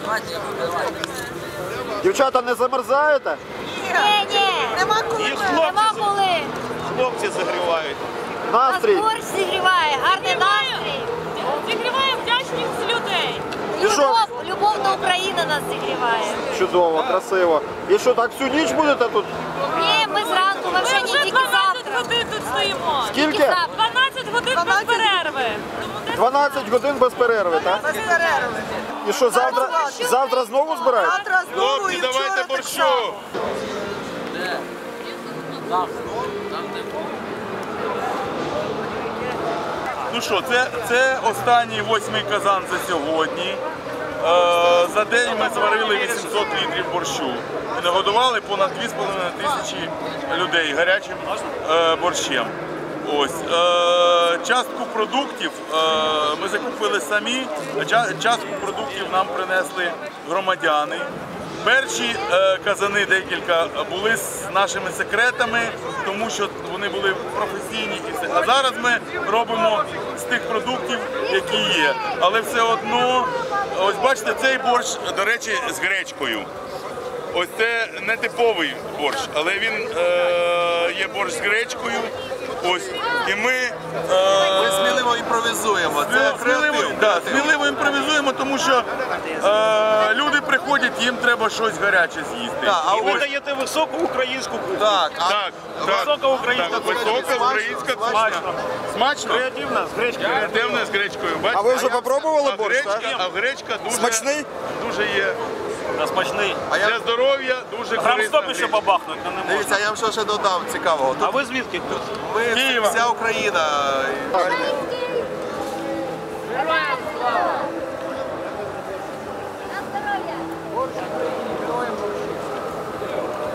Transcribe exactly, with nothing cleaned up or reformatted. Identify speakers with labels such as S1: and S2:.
S1: Дівчата, не замерзаєте?
S2: Ні, ні.
S3: Нема коли.
S2: Нема коли.
S4: Хлопці загрівають.
S1: Настрій.
S2: Нас борщ зігріває, гарний настрій.
S5: Зігріває вдячність людей.
S1: І що?
S2: Любов, любов до України нас зігріває.
S1: Чудово, красиво. І що, так всю ніч будете тут?
S2: Ні, ми зранку, ми вже
S5: Ми
S2: не
S5: вже
S2: тільки
S5: дванадцять
S2: завтра.
S5: годин тут стоїмо.
S1: Скільки?
S2: завтра.
S5: дванадцять годин без перерви.
S1: дванадцять годин без перерви, так?
S3: Без перерви.
S1: І що, завтра, завтра знову збираєте?
S3: Завтра знову
S4: Хлопці,
S3: і вчора
S4: давайте
S3: так
S4: борщу.
S3: само.
S6: Ну що, це, це останній восьмий казан за сьогодні. Е, за день ми зварили вісімсот літрів борщу і нагодували понад дві з половиною тисячі людей гарячим е, борщем. Ось. Е, частку продуктів е, ми закупили самі, а ча- частку продуктів нам принесли громадяни. Перші е, казани декілька були з нашими секретами, тому що вони були професійні і все. А зараз ми робимо з тих продуктів, які є. Але все одно, ось бачите, цей борщ, до речі, з гречкою. Ось це не типовий борщ, але він е, є борщ з гречкою. Ось. І ми е,
S4: Ми сміливо імпровізуємо. Це
S6: сміливо,
S4: креатив.
S6: да, сміливо імпровізуємо, тому що е, люди приходять, їм треба щось гаряче з'їсти.
S4: Так, а
S6: І
S4: ви
S6: ось-
S4: даєте високу українську кухню. Так, а
S6: Так, так.
S4: висока українська
S6: Так,
S4: кухня.
S6: висока українська кухня.
S4: Смачно.
S6: Смачно?
S4: Креативна, з гречки.
S6: Креативна з гречкою. Бачите?
S1: А ви вже попробували
S6: А
S1: борщ,
S6: гречка,
S1: так?
S6: а гречка дуже,
S1: Смачний?
S6: дуже є
S4: А смачний.
S6: для здоров'я, дуже
S4: Грам
S6: корисна
S4: сто ще
S6: гречка.
S4: побахнуть, то не можна.
S7: Дивіться, я вам що ще додав цікавого.
S4: А ви звідки тут?
S7: Ми
S6: Києва.
S7: вся Україна.
S2: Український